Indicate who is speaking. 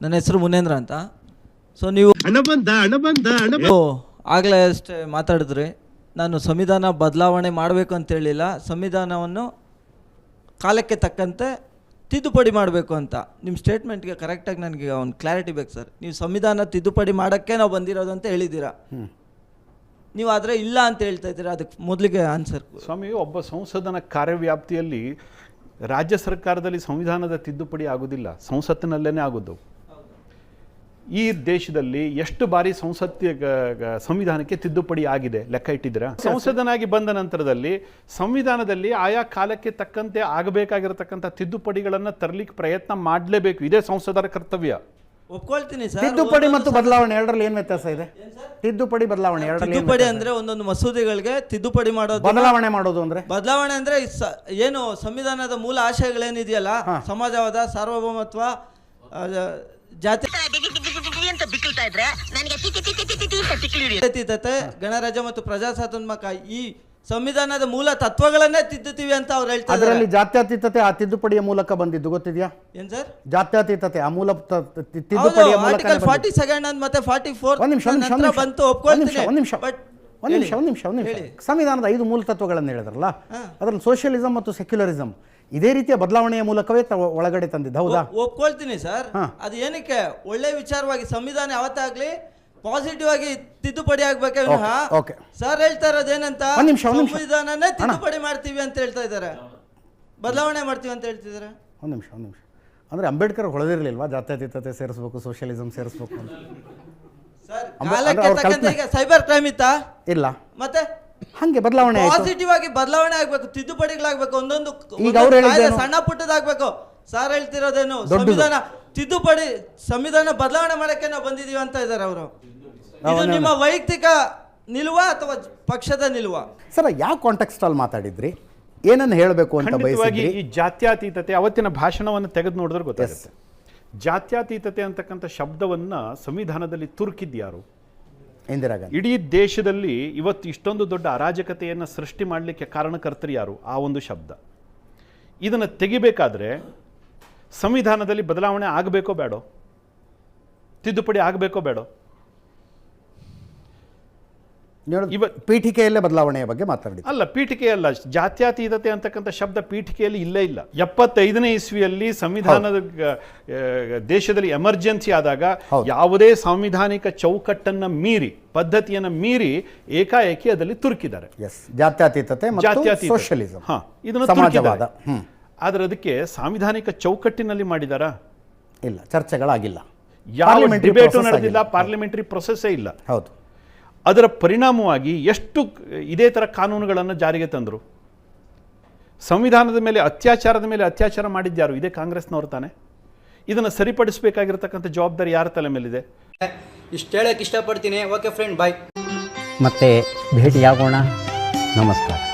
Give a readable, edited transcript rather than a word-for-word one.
Speaker 1: ನನ್ನ ಹೆಸರು ಮುನೇಂದ್ರ ಅಂತ. ಸೊ ನೀವು ಆಗಲೇ ಅಷ್ಟೇ ಮಾತಾಡಿದ್ರಿ, ನಾನು ಸಂವಿಧಾನ ಬದಲಾವಣೆ ಮಾಡಬೇಕು ಅಂತ ಹೇಳಿಲ್ಲ, ಸಂವಿಧಾನವನ್ನು ಕಾಲಕ್ಕೆ ತಕ್ಕಂತೆ ತಿದ್ದುಪಡಿ ಮಾಡಬೇಕು ಅಂತ. ನಿಮ್ಮ ಸ್ಟೇಟ್ಮೆಂಟ್ಗೆ ಕರೆಕ್ಟಾಗಿ ನನಗೆ ಒಂದು ಕ್ಲಾರಿಟಿ ಬೇಕು ಸರ್. ನೀವು ಸಂವಿಧಾನ ತಿದ್ದುಪಡಿ ಮಾಡೋಕ್ಕೆ ನಾವು ಬಂದಿರೋದು ಅಂತ ಹೇಳಿದ್ದೀರಾ, ನೀವು ಆದರೆ ಇಲ್ಲ ಅಂತ ಹೇಳ್ತಾ ಇದ್ದೀರಾ, ಅದಕ್ಕೆ ಮೊದಲಿಗೆ ಆನ್ಸರ್.
Speaker 2: ಸ್ವಾಮಿ, ಒಬ್ಬ ಸಂಸದನ ಕಾರ್ಯವ್ಯಾಪ್ತಿಯಲ್ಲಿ ರಾಜ್ಯ ಸರ್ಕಾರದಲ್ಲಿ ಸಂವಿಧಾನದ ತಿದ್ದುಪಡಿ ಆಗೋದಿಲ್ಲ, ಸಂಸತ್ತಿನಲ್ಲೇ ಆಗೋದು. ಈ ದೇಶದಲ್ಲಿ ಎಷ್ಟು ಬಾರಿ ಸಂವಿಧಾನಕ್ಕೆ ತಿದ್ದುಪಡಿ ಆಗಿದೆ ಲೆಕ್ಕ ಇಟ್ಟಿದ್ದೀರಾ? ಸಂಸದನಾಗಿ ಬಂದ ನಂತರದಲ್ಲಿ ಸಂವಿಧಾನದಲ್ಲಿ ಆಯಾ ಕಾಲಕ್ಕೆ ತಕ್ಕಂತೆ ಆಗಬೇಕಾಗಿರತಕ್ಕಂಥ ತಿದ್ದುಪಡಿಗಳನ್ನು ತರಲಿಕ್ಕೆ ಪ್ರಯತ್ನ ಮಾಡಲೇಬೇಕು. ಇದೇ ಸಂಸದರ ಕರ್ತವ್ಯ.
Speaker 1: ಒಪ್ಕೊಳ್ತೀನಿ ಸರ್.
Speaker 3: ತಿದ್ದುಪಡಿ ಮತ್ತು ಬದಲಾವಣೆ ಎರಡರಲ್ಲಿ ಏನು ವ್ಯತ್ಯಾಸ ಇದೆ? ತಿದ್ದುಪಡಿ ಬದಲಾವಣೆ ಎರಡರಲ್ಲಿ
Speaker 1: ತಿದ್ದುಪಡಿ ಅಂದ್ರೆ ಒಂದೊಂದು ಮಸೂದೆಗಳಿಗೆ ತಿದ್ದುಪಡಿ ಮಾಡೋದು,
Speaker 3: ಬದಲಾವಣೆ ಮಾಡೋದು ಅಂದ್ರೆ
Speaker 1: ಬದಲಾವಣೆ ಅಂದ್ರೆ ಏನು ಸಂವಿಧಾನದ ಮೂಲ ಆಶಯಗಳೇನಿದೆಯಲ್ಲ, ಸಮಾಜವಾದ, ಸಾರ್ವಭೌಮತ್ವ, ಜಾತಿ ಗಣರಾಜ್ಯ ಮತ್ತು ಪ್ರಜಾಸತ್ತಾತ್ಮಕ ಈ ಸಂವಿಧಾನದ ಮೂಲ ತತ್ವಗಳನ್ನೇ ತಿದ್ದುತ್ತೀವಿ ಅಂತ ಅವ್ರು ಹೇಳ್ತಾರೆ.
Speaker 3: ಅದರಲ್ಲಿ ಜಾತ್ಯತೀತತೆ ಆ ತಿದ್ದುಪಡಿಯ ಮೂಲಕ ಬಂದಿದ್ದು ಗೊತ್ತಿದೆಯಾ?
Speaker 1: ಏನ್ ಸರ್?
Speaker 3: ಜಾತ್ಯತೀತತೆ ಆ ಮೂಲ ತಿದ್ದುಪಡಿಯ ಮೂಲಕ.
Speaker 1: ಆರ್ಟಿಕಲ್ 42 ಮತ್ತೆ 44 ಬಂತು, ಒಪ್ಕೊಳ್ತೀನಿ.
Speaker 3: ಒಂದ್ ನಿಮಿಷ. ಸಂವಿಧಾನದ 5 ಮೂಲ ತತ್ವಗಳನ್ನು ಹೇಳಿದ್ರಲ್ಲ, ಅದರಲ್ಲಿ ಸೋಷಿಯಲಿಸಂ ಮತ್ತು ಸೆಕ್ಯುಲರಿಸಂ ಇದೇ ರೀತಿಯ ಬದಲಾವಣೆಯ ಮೂಲಕವೇ ಒಳಗಡೆ ತಂದಿದ್ದು, ಹೌದಾ?
Speaker 1: ಒಪ್ಕೊಳ್ತೀನಿ ಸರ್. ಅದು ಏನಕ್ಕೆ ಒಳ್ಳೆ ವಿಚಾರವಾಗಿ ಸಂವಿಧಾನ ಯಾವತ್ತಾಗ್ಲಿ ಪಾಸಿಟಿವ್ ಆಗಿ ತಿದ್ದುಪಡಿ ಆಗ್ಬೇಕೆ ವಿನಃ ಸರ್ ಹೇಳ್ತಾ ಇರೋದೇನಂತ ಸಂವಿಧಾನನೇ ತಿದ್ದುಪಡಿ ಮಾಡ್ತೀವಿ ಅಂತ ಹೇಳ್ತಾ ಇದ್ದಾರೆ, ಬದಲಾವಣೆ ಮಾಡ್ತೀವಿ ಅಂತ ಹೇಳ್ತಿದ್ದಾರೆ.
Speaker 3: ಒಂದ್ ನಿಮಿಷ ಅಂದ್ರೆ ಅಂಬೇಡ್ಕರ್ ಹೊಳೆದಿರ್ಲಿಲ್ವಾ ಜಾತ್ಯತೀತತೆ ಸೇರಿಸಬೇಕು, ಸೋಷಿಯಲಿಸಂ ಸೇರಿಸಬೇಕು ಅಂತ?
Speaker 1: ಸೈಬರ್ ಕ್ರೈಮ್ ಇತ್ತಾ?
Speaker 3: ಇಲ್ಲ.
Speaker 1: ಮತ್ತೆ
Speaker 3: ಹಂಗೆ ಬದಲಾವಣೆ
Speaker 1: ಪಾಸಿಟಿವ್ ಆಗಿ ಬದಲಾವಣೆ ಆಗ್ಬೇಕು, ತಿದ್ದುಪಡಿಗಳಾಗಬೇಕು, ಒಂದೊಂದು ಸಣ್ಣ ಪುಟ್ಟದಾಗಬೇಕು. ಸರ್ ಹೇಳ್ತಿರೋದೇನು ಸಂವಿಧಾನ ತಿದ್ದುಪಡಿ, ಸಂವಿಧಾನ ಬದಲಾವಣೆ ಮಾಡಕ್ಕೆ ನಾವು ಬಂದಿದೀವಿ ಅಂತ ಇದ್ದಾರೆ ಅವರು. ಇದು ನಿಮ್ಮ ವೈಯಕ್ತಿಕ ನಿಲುವ ಅಥವಾ ಪಕ್ಷದ ನಿಲುವ?
Speaker 3: ಸರ್, ಯಾವ ಕಾಂಟೆಕ್ಸ್ಟ್ ಅಲ್ಲಿ ಮಾತಾಡಿದ್ರಿ, ಏನನ್ನು ಹೇಳಬೇಕು ಅಂತ ಬಯಸಿದ್ರಿ?
Speaker 2: ಈ ಜಾತ್ಯತೀತತೆ ಅವತ್ತಿನ ಭಾಷಣವನ್ನು ತೆಗೆದು ನೋಡಿದ್ರೆ ಗೊತ್ತಾಗುತ್ತೆ. ಜಾತ್ಯತೀತತೆ ಅಂತಕ್ಕಂಥ ಶಬ್ದವನ್ನ ಸಂವಿಧಾನದಲ್ಲಿ ತುರುಕಿದ್ಯಾರು?
Speaker 3: ಇಂದಿರಾ ಗಾಂಧಿ.
Speaker 2: ಇಡೀ ದೇಶದಲ್ಲಿ ಇವತ್ತು ಇಷ್ಟೊಂದು ದೊಡ್ಡ ಅರಾಜಕತೆಯನ್ನು ಸೃಷ್ಟಿ ಮಾಡಲಿಕ್ಕೆ ಕಾರಣಕರ್ತರು ಯಾರು? ಆ ಒಂದು ಶಬ್ದ. ಇದನ್ನು ತೆಗಿಬೇಕಾದ್ರೆ ಸಂವಿಧಾನದಲ್ಲಿ ಬದಲಾವಣೆ ಆಗಬೇಕೋ ಬೇಡೋ, ತಿದ್ದುಪಡಿ ಆಗಬೇಕೋ ಬೇಡೋ?
Speaker 3: ಪೀಠಿಕೆಯಲ್ಲೇ ಬದಲಾವಣೆಯ ಬಗ್ಗೆ ಮಾತಾಡಿ.
Speaker 2: ಅಲ್ಲ, ಪೀಠಿಕೆಯಲ್ಲ. ಜಾತ್ಯತೀತತೆ ಅಂತಕ್ಕಂಥ ಶಬ್ದ ಪೀಠಿಕೆಯಲ್ಲಿ ಇಲ್ಲೇ ಇಲ್ಲ. 75ನೇ ಇಸ್ವಿಯಲ್ಲಿ ಸಂವಿಧಾನದ ದೇಶದಲ್ಲಿ ಎಮರ್ಜೆನ್ಸಿ ಆದಾಗ ಯಾವುದೇ ಸಾಂವಿಧಾನಿಕ ಚೌಕಟ್ಟನ್ನ ಮೀರಿ, ಪದ್ಧತಿಯನ್ನು ಮೀರಿ ಏಕಾಏಕಿ ಅದರಲ್ಲಿ ತುರುಕಿದ್ದಾರೆ.
Speaker 3: ಜಾತ್ಯತೀತತೆ ಮತ್ತು ಸೋಷಿಯಲಿಸಂ,
Speaker 2: ಇದನ್ನು ತುರುಕಿದ್ದಾರೆ. ಆದರೆ ಅದಕ್ಕೆ ಸಾಂವಿಧಾನಿಕ ಚೌಕಟ್ಟಿನಲ್ಲಿ ಮಾಡಿದಾರಾ?
Speaker 3: ಇಲ್ಲ, ಚರ್ಚೆಗಳಾಗಿಲ್ಲ,
Speaker 2: ಯಾವ ಡಿಬೇಟು ನಡೆದಿಲ್ಲ, ಪಾರ್ಲಿಮೆಂಟರಿ ಪ್ರೊಸೆಸ್ಸೇ ಇಲ್ಲ.
Speaker 3: ಹೌದು.
Speaker 2: ಅದರ ಪರಿಣಾಮವಾಗಿ ಎಷ್ಟು ಇದೇ ಥರ ಕಾನೂನುಗಳನ್ನು ಜಾರಿಗೆ ತಂದರು. ಸಂವಿಧಾನದ ಮೇಲೆ ಅತ್ಯಾಚಾರದ ಮೇಲೆ ಅತ್ಯಾಚಾರ ಮಾಡಿದ್ಯಾರು? ಇದೇ ಕಾಂಗ್ರೆಸ್ನವರು ತಾನೆ. ಇದನ್ನು ಸರಿಪಡಿಸಬೇಕಾಗಿರತಕ್ಕಂಥ ಜವಾಬ್ದಾರಿ ಯಾರ ತಲೆ ಮೇಲಿದೆ?
Speaker 4: ಇಷ್ಟು ಹೇಳಕ್ಕೆ ಇಷ್ಟಪಡ್ತೀನಿ. Okay friend, bye.
Speaker 5: ಮತ್ತೆ ಭೇಟಿಯಾಗೋಣ. ನಮಸ್ಕಾರ.